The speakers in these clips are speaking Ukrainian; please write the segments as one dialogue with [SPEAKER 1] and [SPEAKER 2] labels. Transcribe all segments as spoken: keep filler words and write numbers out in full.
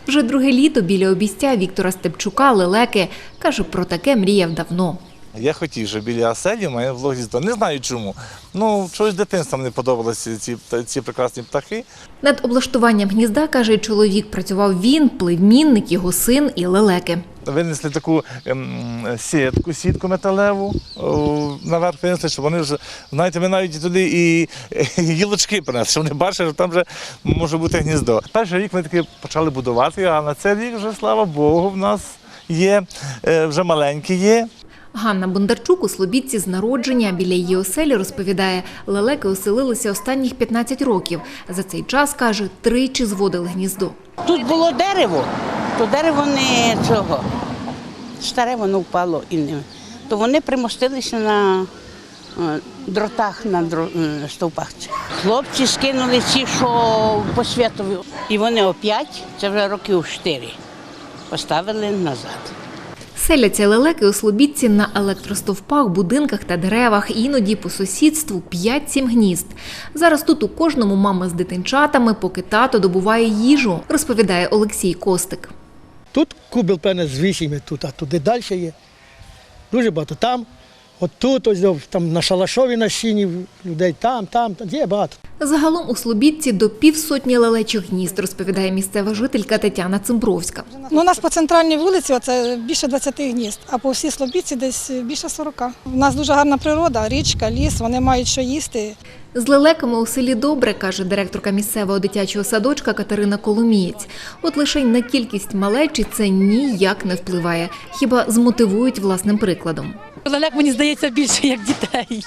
[SPEAKER 1] Вже друге літо біля обійстя Віктора Степчука лелеки. Каже, про таке мріяв давно.
[SPEAKER 2] Я хотів, щоб біля оселі в мене було гніздо. Не знаю чому. Ну, чогось дитинством не подобалися ці, ці прекрасні птахи.
[SPEAKER 1] Над облаштуванням гнізда, каже чоловік, працював він, племінник, його син і лелеки.
[SPEAKER 2] Винесли таку ем, сітку, сітку металеву, о, наверх винесли, щоб вони вже, знаєте, ми навіть туди і, і гілочки принесли, щоб вони бачили, що там вже може бути гніздо. Перший рік ми таки почали будувати, а на цей рік вже, слава Богу, в нас є, е, вже маленькі є.
[SPEAKER 1] Ганна Бондарчук у Слобідці з народження. Біля її оселі, розповідає, лелеки оселилися останніх п'ятнадцять років. За цей час, каже, тричі зводили гніздо.
[SPEAKER 3] Тут було дерево, то дерево не цього, старе воно впало, і не, то вони примостилися на е, дротах, на дро, е, стовпах. Хлопці скинули ці, що по святові, і вони опять, це вже років чотири, поставили назад.
[SPEAKER 1] Селяться лелеки у Слобідці на електростовпах, будинках та деревах, іноді по сусідству п'ять-сім гнізд. Зараз тут у кожному мама з дитинчатами, поки тато добуває їжу, розповідає Олексій Костик.
[SPEAKER 4] Тут кубел, певне, з вісім, тут, а туди далі є. Дуже багато. Там, от тут, ось, там на Шалашові на сіні людей, там, там, там, є багато.
[SPEAKER 1] Загалом у Слобідці до півсотні лелечих гнізд, розповідає місцева жителька Тетяна Цимбровська.
[SPEAKER 5] Ну, у нас по центральній вулиці це більше двадцяти гнізд, а по всій Слобідці десь більше сорока. У нас дуже гарна природа, річка, ліс, вони мають що їсти.
[SPEAKER 1] З лелеками у селі добре, каже директорка місцевого дитячого садочка Катерина Коломієць. От лише на кількість малечі це ніяк не впливає, хіба змотивують власним прикладом.
[SPEAKER 6] Лелек, мені здається, більше, як дітей.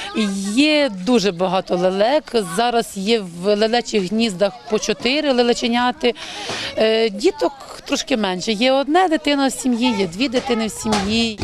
[SPEAKER 6] Є дуже багато лелек. Зараз є в лелечих гніздах по чотири лелеченяти. Діток трошки менше. Є одна дитина в сім'ї, є дві дитини в сім'ї.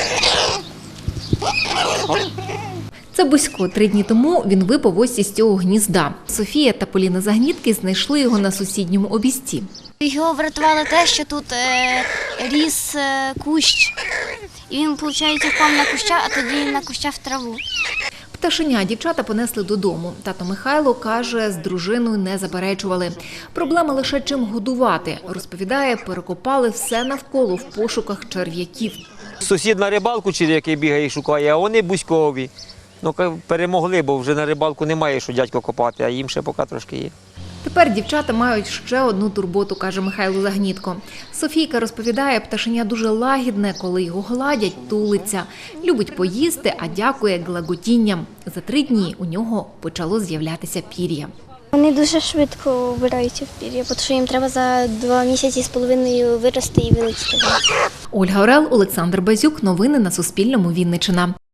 [SPEAKER 1] Це Бусько. Три дні тому він випав ось із цього гнізда. Софія та Поліна Загнітки знайшли його на сусідньому обійсті.
[SPEAKER 7] Його врятувало те, що тут е, ріс е, кущ, і він, виходить, впав на куща, а тоді на куща в траву.
[SPEAKER 1] Пташеня дівчата понесли додому. Тато Михайло, каже, з дружиною не заперечували. Проблема лише чим годувати. Розповідає, перекопали все навколо в пошуках черв'яків.
[SPEAKER 8] Сусід на рибалку черв'яки бігає і шукає, а вони Буськові. Ну, перемогли, бо вже на рибалку немає, що дядько копати, а їм ще поки трошки є.
[SPEAKER 1] Тепер дівчата мають ще одну турботу, каже Михайло Загнітко. Софійка розповідає, пташеня дуже лагідне, коли його гладять, тулиться. Любить поїсти, а дякує глаготінням. За три дні у нього почало з'являтися пір'я.
[SPEAKER 7] Вони дуже швидко вбираються в пір'я, тому що їм треба за два місяці з половиною вирости і вилетіти.
[SPEAKER 1] Ольга Орел, Олександр Базюк. Новини на Суспільному. Вінниччина.